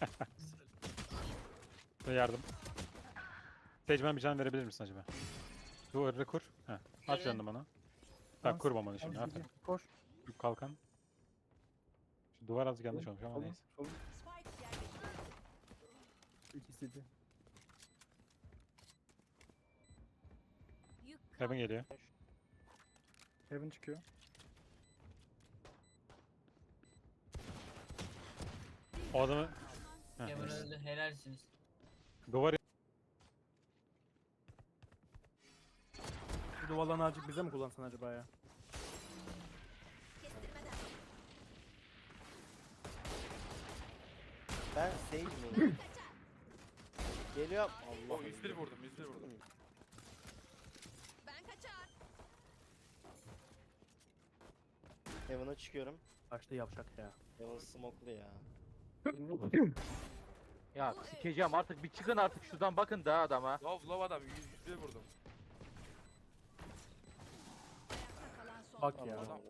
Ve yardım. Sage bana bir can verebilir misin acaba? Duvarı kur. Heh. At Evet. canını bana. Bak kur bombanı şimdi. Tamam, Aferin. koş. Şu kalkan. Şu duvar azıcık yanlış olmuş ama Solun, neyse. solun. Spike yerleştirildi. İkisi de. Yük Heaven geliyor. Heaven çıkıyor. O adamı... Heh, Kevin neyse. öldü. Helalsiniz. Duvar... Bu duvarlarını azıcık bize mi kullansan acaba ya? kestirmeden. Ben Sage miyim? Geliyorum. Allah. O 101 vurdum, 101 vurdum. Ben kaçar. Heaven'a çıkıyorum. Kaçtı yavşak ya. Heaven smoke'lu ya. Ya sikeceğim artık bir çıkın artık şuradan bakın da adama. Love adam 101 vurdum. Ayakta kalan son. Bak ya. Adam.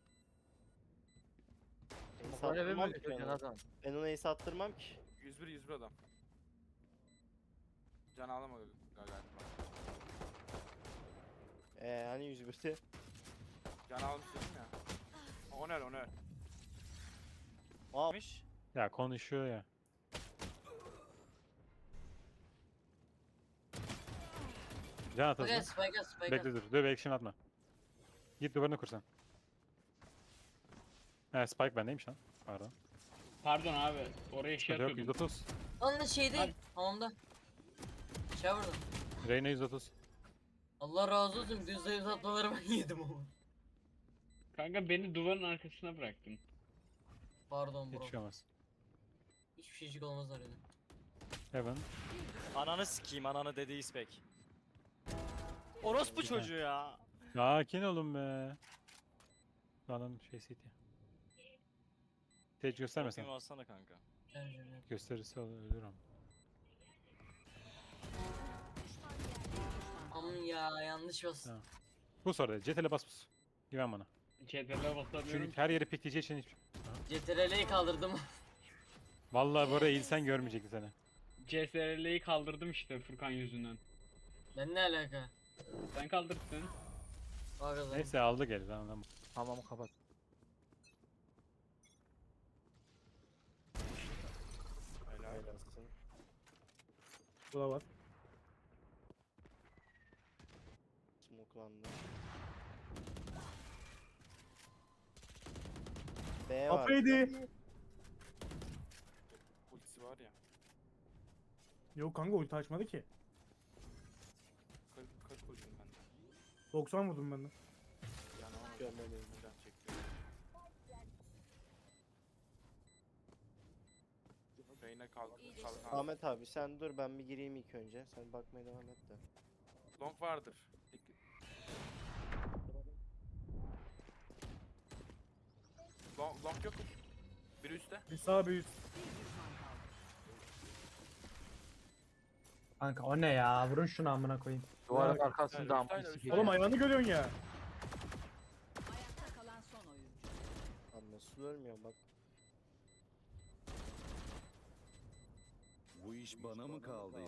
Ace Böyle attırmam mi ki götüreceksin ben ona. adam? Ben ona ace attırmam ki. 101 adam. Can alamadı galiba. Hani 101'ti. Can almış dedim ya. Oner oner. Almış. Ya konuşuyor ya. Can at Spike hızlı. spike spike. Bekle dur. Dur belki şimdi atma. Git duvarını kursan. He Spike bendeymiş lan. Pardon. Pardon abi. Oraya şey Yok atıyordum. 130. Onun şey değil. Hamamda. Şey vurdum. Reyna 130. Allah razı olsun. Düz zayıf atmaları ben yedim ama. Kanka beni duvarın arkasına bıraktın. Pardon bro. Hiç şey olmaz. Hiçbir şeycik olmaz öyle. Heaven. Ananı sikeyim ananı dediği ispek. Orospu çocuğu ya. Sakin olun be. Lan şey CT. Sage göstermesen. Bakayım alsana kanka. Gösterirse ölürüm. Aman ya yanlış bastım. Tamam. Bu soruda CTRL'e bas bas. Güven bana. CTRL'e basamıyorum. Çünkü her yeri pikleyeceği için hiç... CTRL'yi kaldırdım. Vallahi buraya eğilsen görmeyecekti seni. CTRL'yi kaldırdım işte Furkan yüzünden. Ben ne alaka? Sen kaldırttın. Bak o zaman. Neyse aldı geri tamam. Hamamı kapat. Helalsin. Bu da var. Smoke'landı. B var. Kafaydı. Ultisi var ya. Yok kanka ulti açmadı ki. 40 vurdum ben de. 90 vurdum ben de. Can alamadı. Görmedim. Can çekti. Beyne kaldı. Ahmet abi sen dur ben bir gireyim ilk önce. Sen bakmaya devam et de. Long vardır. Long yok. Biri üstte. Bir sağ bir üst. Kanka o ne ya? Vurun şunu amına koyayım. Duvarın arkasında Hayır, ama hayır, sikeceğim. Oğlum ayağını görüyorsun ya. Ayakta kalan son oyuncu. Lan nasıl ölmüyor bak. Bu iş bana mı kaldı?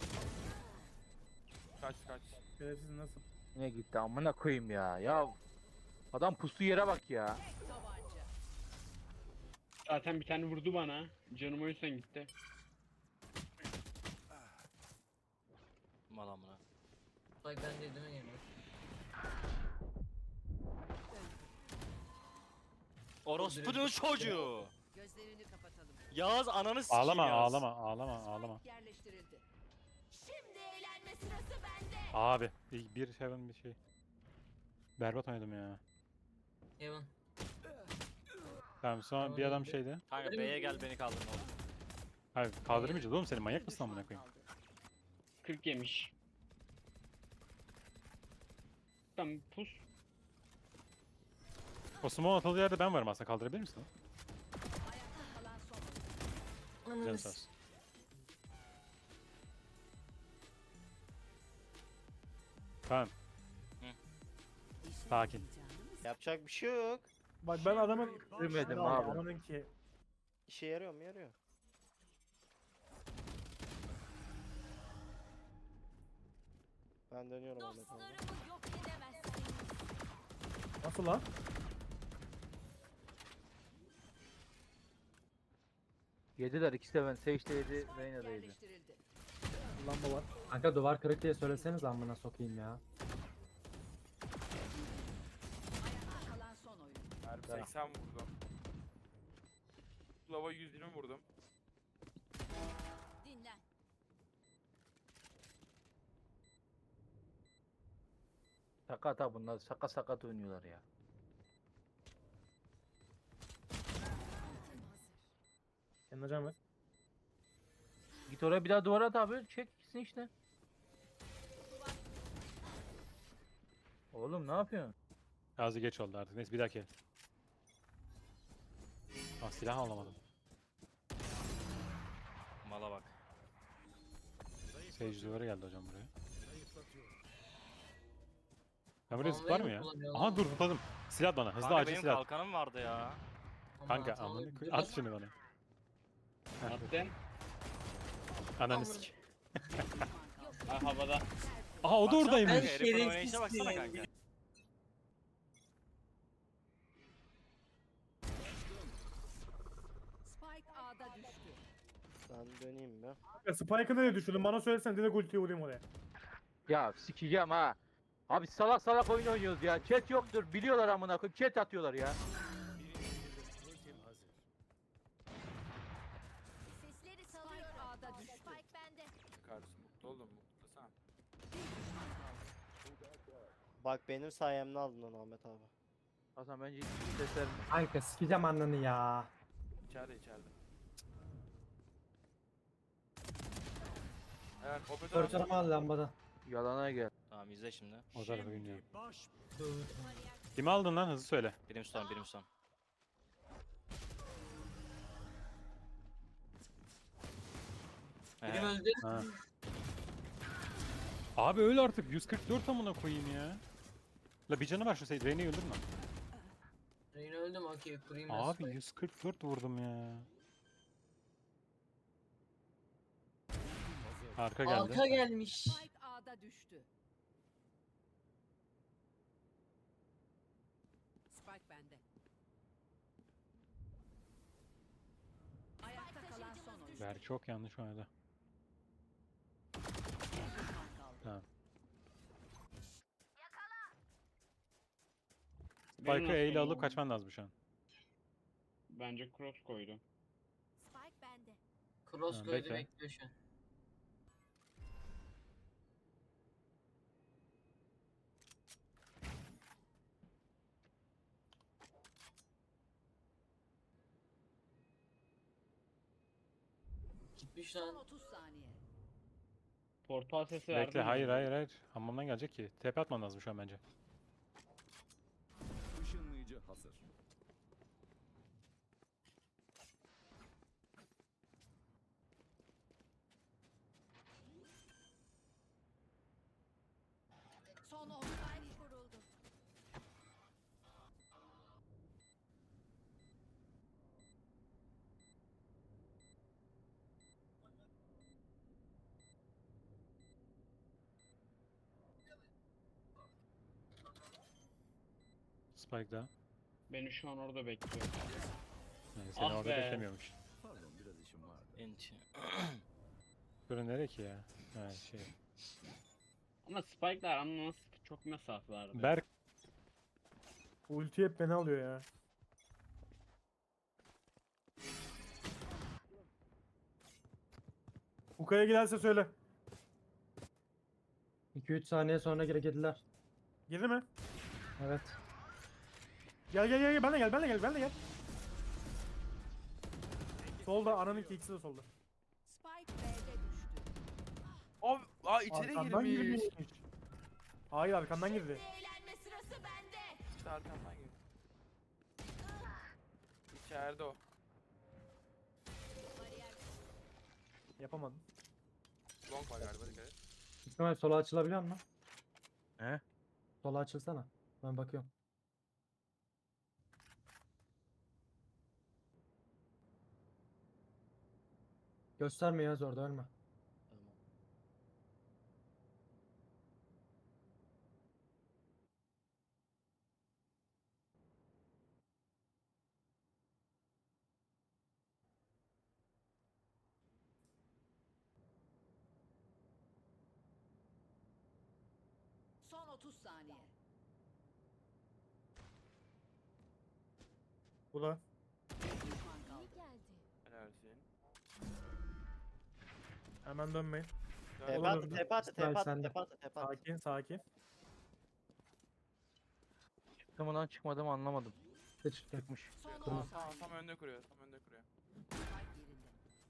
Kaç. Şerefsiz nasıl? Yine gitti amına koyayım ya. Ya adam pusu yere bak ya. Tabanca. Zaten bir tane vurdu bana. Canım o yüzden gitti. Mal amına. Bak ben dedim ya. Orospu'nun çocuğu. Gözlerini kapatalım. Yağız ananı sikeyim Ağlama Yağız. ağlama. Yerleştirildi. Şimdi eğlenme sırası bende. Abi bir Heaven bir şey. Berbat oynadım ya. Evan. Tamam sonra bir adam şeydi. Kanka B'ye gel beni kaldır ne olur. Hayır kaldırmayacağız oğlum seni manyak mısın amına koyayım? 40 yemiş. Tamam pus. O smoke atıldığı yerde ben varım aslında kaldırabilir misin? Ayakta kalan son oyuncu. Canı sağ olsun. Tamam. Sakin. Yapacak bir şey yok. Bak ben adamın... Demedim Ya abi. Amanın ki. İşe yarıyor mu? Yarıyor. Ben dönüyorum Ahmet abi. Dostlarımı yok edemezsiniz. Nasıl lan? Yediler ikisi de ben. Sage de yedi, Reyna da yedi. Yerleştirildi. Lamba var. Kanka duvar kırık diye söyleseniz amına sokayım ya. Ayakta kalan son oyun. Harbi 80 vurdum. Lava 120 vurdum. Dinlen. Sakat ha bunlar. Sakat oynuyorlar ya. Kendine can ver. Git oraya bir daha duvara at abi. Çek gitsin işte. Oğlum ne yapıyorsun? Gazi geç oldu artık. Neyse bir dahaki. Ah silah alamadım. Mala bak. Sage duvara geldi hocam buraya. Ben buraya Bombayı zıplar mı mı ya? kullanıyor Aha lan? dur zıpladım. Silah at bana. Hızlı Kanka acil benim silah at. kalkanım vardı ya. Kanka Aman amına Tanrım, koy. biraz- At şunu bana. Heh, Attın. Ananı Amına- sik. Ha, havada. Aha o da Baksana oradaymış. kanka, herifin şerefsiz oynayışa baksana ya. kanka. Spike A'da düştü. Ben döneyim mi? Ya Spike'ı nereye düşürdün? Bana söylesen direkt ultiyi vurayım oraya. Ya sikeceğim ha. Abi salak oyun oynuyoruz ya. Chat yoktur. Biliyorlar amına koyayım. Chat atıyorlar ya. Sesleri salıyorum. Spike A'da düştü. Spike bende. Kardeşim mutlu oldum mutlasana. Bak benim sayemde aldın onu Ahmet abi. Hasan bence hiç sesler Kanka sikeceğim ananı ya. İçeride. Evet, operatör Torçarımı al lambada. yalana gel. Tamam izle şimdi. O tarafa bilmiyorum. Kimi aldın lan hızlı söyle. Brimstone. Biri öldü. Ha. Abi öl artık 144 amına koyayım ya. La bir canı var şu Sage. Reyne'yi öldürme. Reyna öldü mü? Okey kurayım ben Abi Spike. 144 vurdum ya. Arka geldi. Arka gelmiş. Spike A'da düştü. Spike bende. Ayakta kalan son oyun. Ver çok yanlış oynadı. Tamam. Benim Spike'ı E ile aslında alıp kaçman lazım şu an. Bence cross koydum. Spike bende. Cross Ha, koydu bekle. bekliyor şu an. Gitmiş Son lan. 30 saniye. Portal sesi verdim. Bekle hayır. Hamamdan gelecek ki. TP atman lazım şu an bence. Işınlayıcı hazır. Son 10 saniye kuruldu. Spike daha. Beni şu an orada bekliyor. Yani seni Ah orada be. beklemiyormuş. Pardon biraz işim vardı. Ent. Burası nereye ki ya? Ha şey. Ama spike'lar anlamaz çok mesafelerde. Berk Ulti hep beni alıyor ya. Uka'ya giderse söyle. 2-3 saniye sonra geri geldiler. Girdi mi? Evet. Gel. Ben de gel. Solda ananın ikisi de solda. Spike B'de düştü. Abi içeri Arkandan girmiş. girmiş. Hayır arkandan girdi. Eğlenme sırası bende. İşte arkamdan girdi. İçeride o. Yapamadım. Long var galiba dikkat et. İsmail sola açılabiliyor mu? He? Sola açılsana. Ben bakıyorum. Gösterme yaz orada ölme. Son 30 saniye. Bu da. Düşman kaldı. Helalsin. Hemen dönmeyin. Tepe Olur, attı, olur. tepe attı, İsmail tepe attı, sende. tepe attı, tepe attı. Sakin sakin. Çıktı mı lan çıkmadı mı anlamadım. Çıktı. Çıkmış. Son 10 Tamam saniye. tam önde kuruyor. Tam önde kuruyor. Spike yerinde.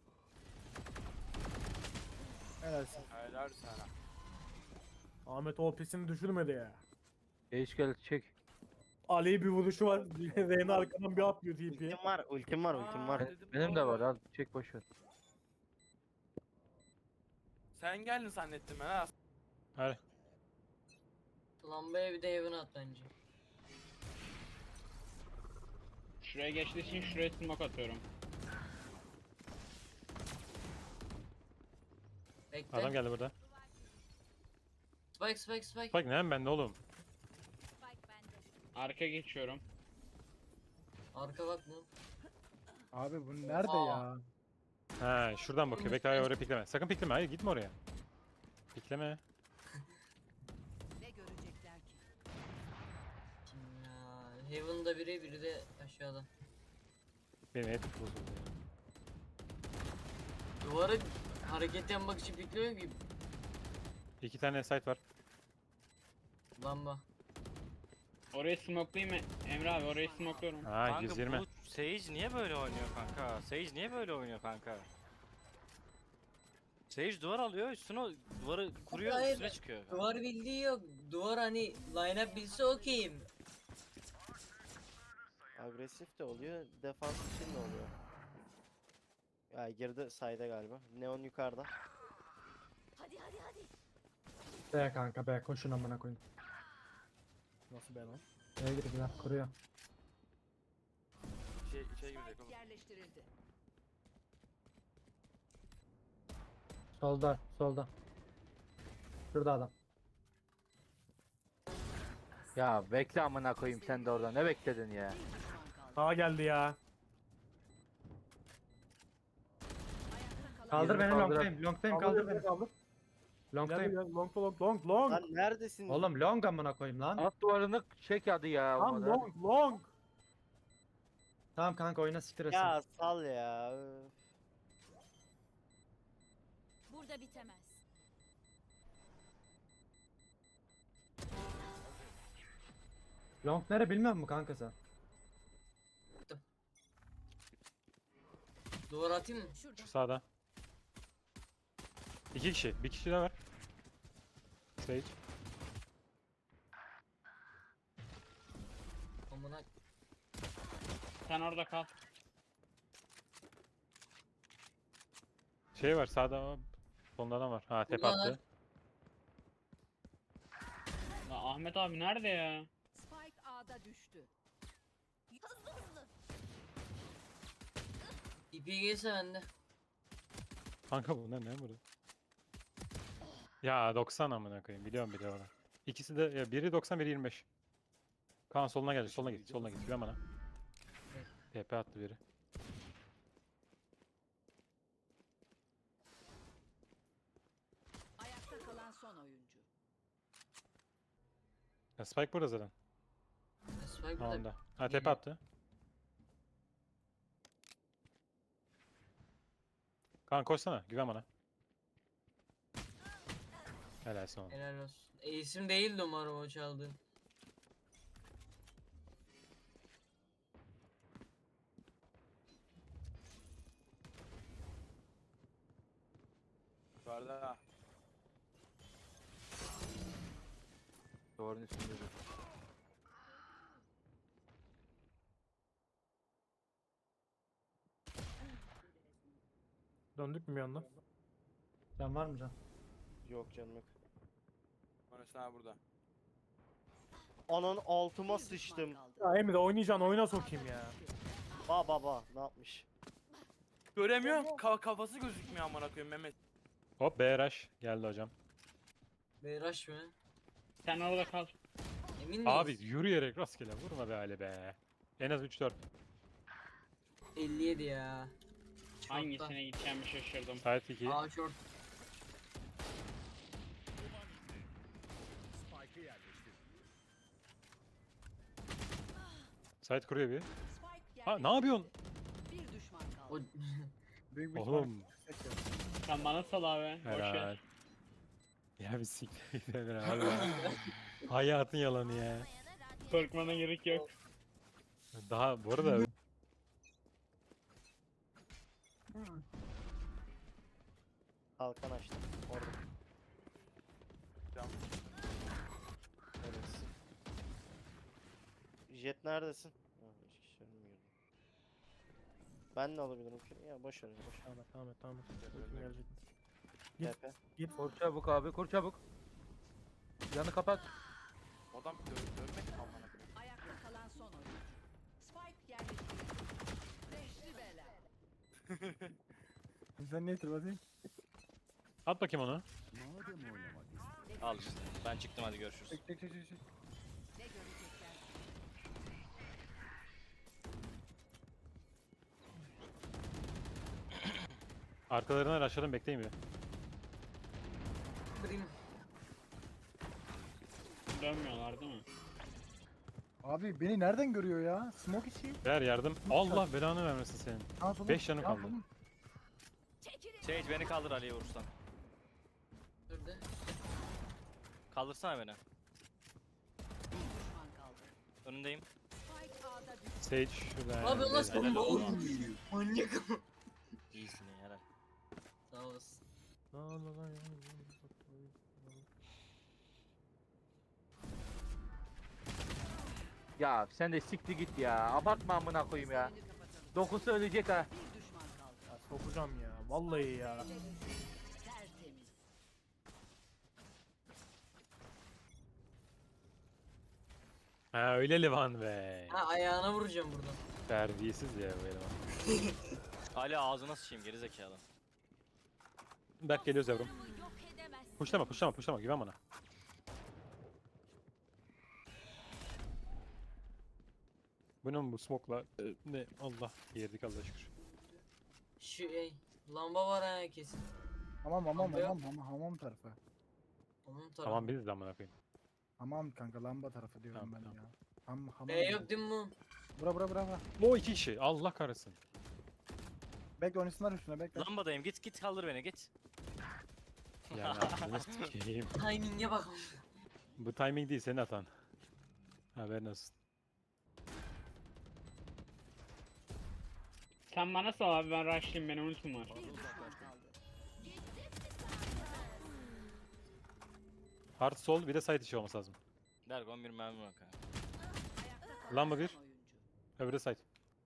Helalsin. Helal sana. Ahmet o pisini düşürmedi ya. Geç gel çek. Ali'ye bir vuruşu var. Reyna arkadan bir atlıyor TP'ye. Ultim var, ultim var, ultim var. Dedim, Benim de var doğru. al çek boşver. Sen geldin zannettim ben ha. Hadi. Lambaya bir de evine at bence. Şuraya geçtiği için şuraya smoke atıyorum. Bekle. Adam geldi burada. Spike spike spike. Bak ne bende oğlum. Spike bende. Arka geçiyorum. Arka bak mı? Abi bu nerede Aa. ya? Ha şuradan bakıyor. Bekle hayır oraya pikleme. Sakın pikleme. Hayır gitme oraya. Pikleme. Ne görecekler ki? Kim ya? Heaven'da biri de aşağıda. Benim et bozuldu. Duvara hareket yapmak için bekliyorum ki. 2 tane site var. Lamba. Orayı smoke'layayım mı? Emre abi orayı smoke'luyorum. Ha Kanka 120. bu Sage niye böyle oynuyor kanka? Sage niye böyle oynuyor kanka? Sage duvar alıyor üstüne duvarı kuruyor Hayır. üstüne çıkıyor. Duvar bildiği yok. Duvar hani line up bilse okeyim. Agresif de oluyor, defans için de oluyor. Ya girdi sayda galiba. Neon yukarıda. Hadi hadi hadi. Be kanka be koşun amına koyayım. Nasıl ben o? Neye girdiler kuruyor. İçeri girecek Spike oğlum. yerleştirildi. Solda solda. Şurada adam. Ya bekle amına koyayım sen de orada ne bekledin ya? Bir düşman kaldı. Sağa geldi ya. Ayakta kalan Kaldır beni kaldır. longtayım. Longtayım kaldır beni. Kaldır. Gel Longtayım. gel long long long long. Lan neredesin? Oğlum long amına koyayım lan. Alt duvarını çek hadi ya. Tam olmadı. long long. Tamam kanka oyna siktir etsin. Ya sal ya. Öf. burada bitemez. Long nere bilmiyor musun kanka sen? Duvar atayım mı? Şurada. Şu sağda. 2 kişi. Bir kişi de var. Sage. Amına. Sen orada kal. Şey var sağda. Solunda adam var. Ha tepe Burada attı. La Ahmet abi nerede ya? Spike A'da düştü. Hızlı hızlı. İpi gelse bende. Kanka bunlar ne burada? Ya 90 amına koyayım. Biliyorum biliyorum. İkisi de ya biri 90 biri 25. Kaan soluna geldi. Soluna git. Soluna git. Güven bana. TP attı biri. Ayakta kalan son oyuncu. Ya Spike burada zaten. Spike Tamam burada. da. Ha tepe attı. Kaan koşsana. Güven bana. Helalsin oğlum. Helal olsun. İsim değildi umarım o çaldı. Yukarıda. Duvarın üstünde dur. Döndük mü bir anda? Can var mı can? Yok canım yok. Orası ha burada. Ananın altıma Bir düşman sıçtım. kaldı. Ya Emre oynayacaksın oyuna sokayım ya. Baba ne yapmış? Göremiyorum. Kafası gözükmüyor amına koyayım Mehmet. Hop BRH geldi hocam. Beyraş mı? Sen orada kal. Emin miyiz? Abi yürüyerek rastgele vurma be Ali be. En az 3-4. 57 ya. Çarpta. Hangisine gideceğimi şaşırdım. Sait 2. Aa short. Site kuruyor bir. Spike Ha yerleştirildi. ne yapıyorsun? Bir düşman O kaldı. Büyük bir Oğlum. Sen bana sal abi. Boş Helal. ver. Ya bir siktir git Emre abi. Hayatın yalanı ya. Korkmana gerek yok. Daha bu arada Kalkan açtım. Orada. Cam. Neredesin? Jet neredesin? Ha, hiç kişi görmüyorum. Ben de alabilirim ki. Ya boş ver, boş ver. Tamam. TP. Kur çabuk abi, kur çabuk. Yanı kapat. Adam dönmek mi amına koyayım? Ayakta kalan son oyuncu. Spike yerleştirildi. Beşli bela. Sen ne hatırladın? at bakayım onu. Madem oynamak istiyorsun. Al işte. Ben çıktım hadi görüşürüz. Çek. Ne görecekler? Arkalarına rushlayalım bekleyin bir. kırayım. Dönmüyorlar değil mi? Abi beni nereden görüyor ya? Smoke içi. Ver yardım. Allah belanı vermesin senin. Sağa sola. 5 canım Ya kaldı. oğlum, Çekilin. Sage beni kaldır Ali'ye vurursan. Şurada. Kaldırsana beni. Bir düşman kaldı. Önündeyim. Spike A'da düştü. Sage şurada. Ne yapıyorsun lan sen? Helal Oğlum, olsun. manyak ama. İyisin iyi helal. Sağ olasın. Ya sen de sikti git ya. Abartma amına koyayım ya. Oyunu kapatalım. Dokusu ölecek ha. Bir düşman kaldı. ya sokacağım ya. Vallahi ya. Tertemiz. Ha öyle Levan be. Ha ayağına vuracağım buradan. Terbiyesiz ya bu eleman. Ali ağzına sıçayım geri zekalı. Berk geliyoruz yavrum. Yok edemezsin. Puşlama güven bana. Bu ne bu smoke'la? Ne Allah yerdik Allah'a şükür. Lamba var ha kesin. Hamam tarafı. Onun tarafı. Tamam biz de amına koyayım. Hamam kanka lamba tarafı diyorum Tamam, ben tamam. ya. Hamam. B yok değil mi bu? Bura. O 2 kişi Allah kahretsin. Bekle oynasınlar üstüne bekle. Lambadayım git kaldır beni git. Yani aklını sikeyim. Timing'e bak. Bu timing değil senin hatan. Haberin olsun. Sen bana sal abi ben rushlayayım benim ultim var. Bir düşman kaldı. Hard sol bir de side içi olması lazım. Dergon bir mermi bak ha. Ayakta kalan Lamba son bir. oyuncu. Öbürü side.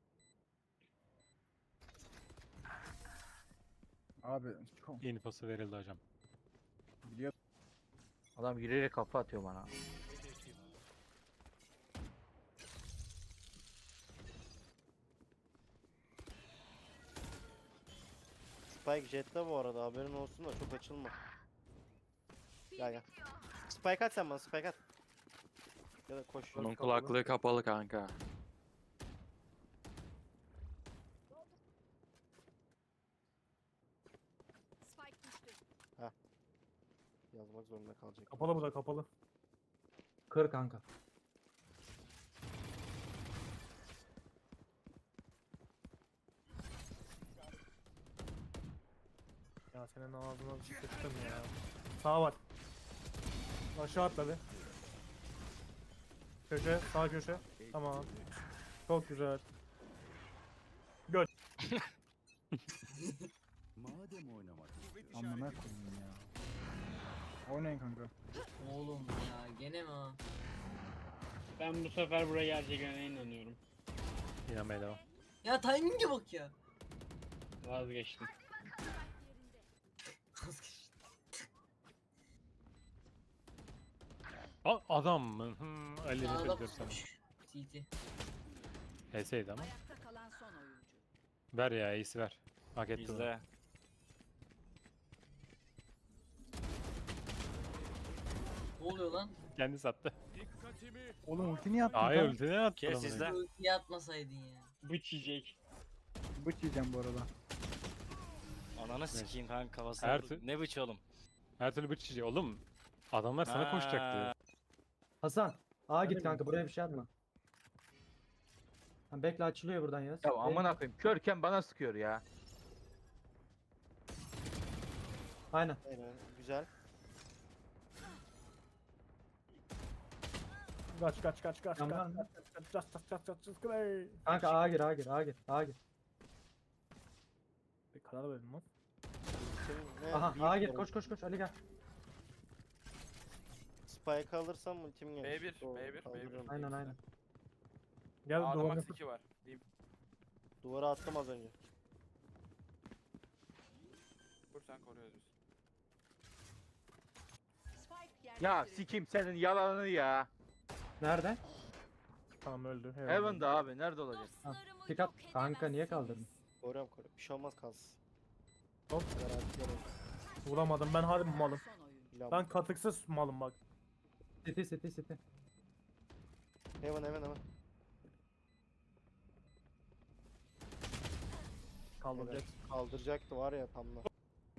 Abi çok Infosu verildi hocam. biliyor. Adam yürüyerek kafa atıyor bana. Spike Jet'te bu arada haberin olsun da çok açılma. Gel. Spike at sen bana, Spike at. Ya da koş. Onun kulaklığı kapalı kanka. Spike düştü. Yazmak zorunda kalacak. Kapalı bu da kapalı. Kır kanka. Ya senin ağzına sıçtım ya. Sağ var. Aşağı atladı. Köşe, sağ köşe. Tamam. Çok güzel. Madem oynamak istiyorsun. Amına koyayım ya. Oynayın kanka. Oğlum ya gene mi ha? Ben bu sefer buraya geleceğine inanıyorum. İnanmaya devam. Ya timing'e bak ya. Vazgeçtim. Adam mı? Ali Sağda nefret ediyorum sana. pusmuş. TT. HS'ydi ama. Ayakta kalan son oyuncu. Ver ya iyisi ver. Hak etti onu. İzle. Ne oluyor lan? Kendi sattı. Oğlum ulti niye attın? Hayır lan? ulti ne attı? Kes amına izle. koyayım? Ultiye atmasaydın ya. Bıç yiyecek. Bıç yiyeceğim bu arada. Ananı sikeyim kanka kafasına. Her vurdu. tür- Ne bıç oğlum? Her türlü bıçıcı. Oğlum adamlar sana koşacaktı. Hasan. A git kanka buraya bir şey atma. Ha, bekle açılıyor buradan Yağız. Ya amına koyayım körken bana sıkıyor ya. Aynen. Aynen. Güzel. Kaç kaç kaç kaç Yan kaç var mı? kaç kaç kaç kaç kaç kaç kaç. Kanka A gir A gir A gir A gir. Bir karar verin lan. Senin ne? Aha büyük A gir sorun. koş koş koş Ali gel. Spike alırsam ultim gelir. B1, Doğru, B1, kaldırırım. B1. Aynen aynen. Gel A'da duvarına max 2 var. Diyeyim. Duvara attım az önce. Kur sen koruyoruz biz. Spike Ya yerleştirildi. sikim senin yalanını ya. Nerede? Tamam öldü. Heaven'da abi nerede olacak? Dostlarımı Pick up. yok Kanka niye edemezsiniz. kaldırdın? Koruyorum. Bir şey olmaz kalsın. Hop. Garanti Vuramadım ben harbi malım. Son oyuncu. yok. Ben katıksız malım bak. City. Hemen. Kaldıracak. Evet, kaldıracaktı var ya tam da.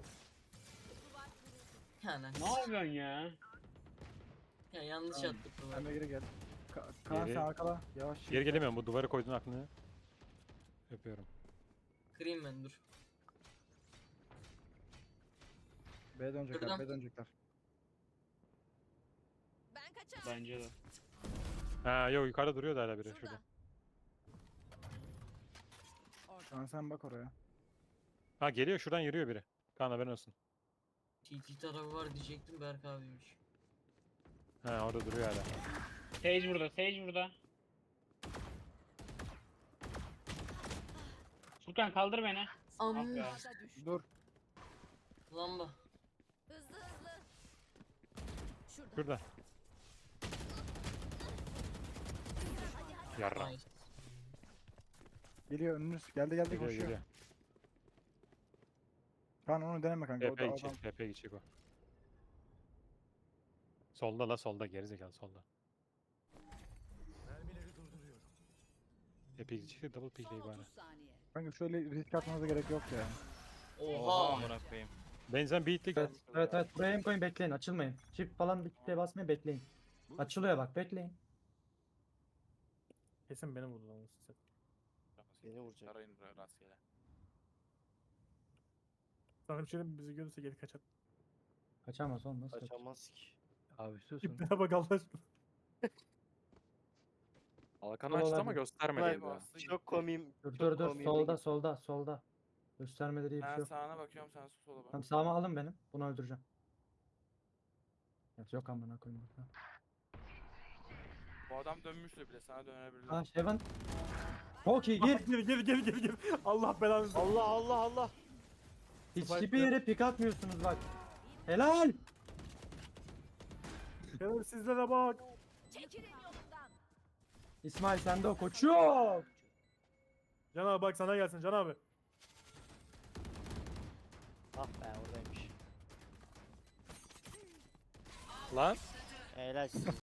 Yani. Ne yapıyorsun ya? Ya yanlış attık bunu. Sen de geri gel. Kaan, sen arkala. Yavaş. Geri gelemiyorum, bu duvarı koyduğun aklını. Öpüyorum. Kırayım ben dur. B'ye dönecekler, B'ye dönecekler. Ben kaçar. Bence de. Ha yok, yukarıda duruyor da hala biri şurada. Kaan sen bak oraya. Ha geliyor, şuradan yürüyor biri. Kaan haberin olsun. TT tarafı var diyecektim, Berk abiymiş. Ha orada duruyor hala. Sage burada, Sage burada. Furkan kaldır beni. Am Ah be. Ağda düştü. Dur. lamba. Hızlı hızlı. Şurada. Şurada. Yarra. Nice. Geliyor önünüz. Geldi Geliyor. Kaan onu deneme kanka. TP gidecek, TP gidecek o. Solda solda, gerizekalı solda. TP gidecek de double Son pickleyi bari. 30 saniye. Kanka şöyle risk atmanıza gerek yok ya. Oha. Amına koyayım. Benzen beatlik. Evet buraya aim koyun bekleyin açılmayın. Çift falan bir şey basmayın bekleyin. Açılıyor bak bekleyin. Kesin beni vurdu lan. Beni vuracak. Tarayın rastgele. Sana bir şey diyeyim mi? Bizi görürse geri kaçar. Kaçamaz oğlum nasıl kaçar? Kaçamaz ki. Abi susun. İplere bak Allah aşkına. Alkan açtı ama göstermedi. Çok komiyim. Dur komiyim. solda. Göstermeleri iyi bir şey Ben yok. sağına bakıyorum, sen sola bak. Tamam sağıma alın benim. Bunu öldüreceğim. Evet, yok amına koyayım. Ha. Bu adam dönmüştür bile, sana dönebilir. Ha Heaven. Çok iyi gir. Gir. Allah belanı versin. Allah. Hiçbir yere pik atmıyorsunuz bak. Helal. Gel sizlere bak. Çekilin yolumdan. İsmail sende o koçum. Can abi bak sana gelsin Can abi. Ah be oradaymış. Lan. Helal size.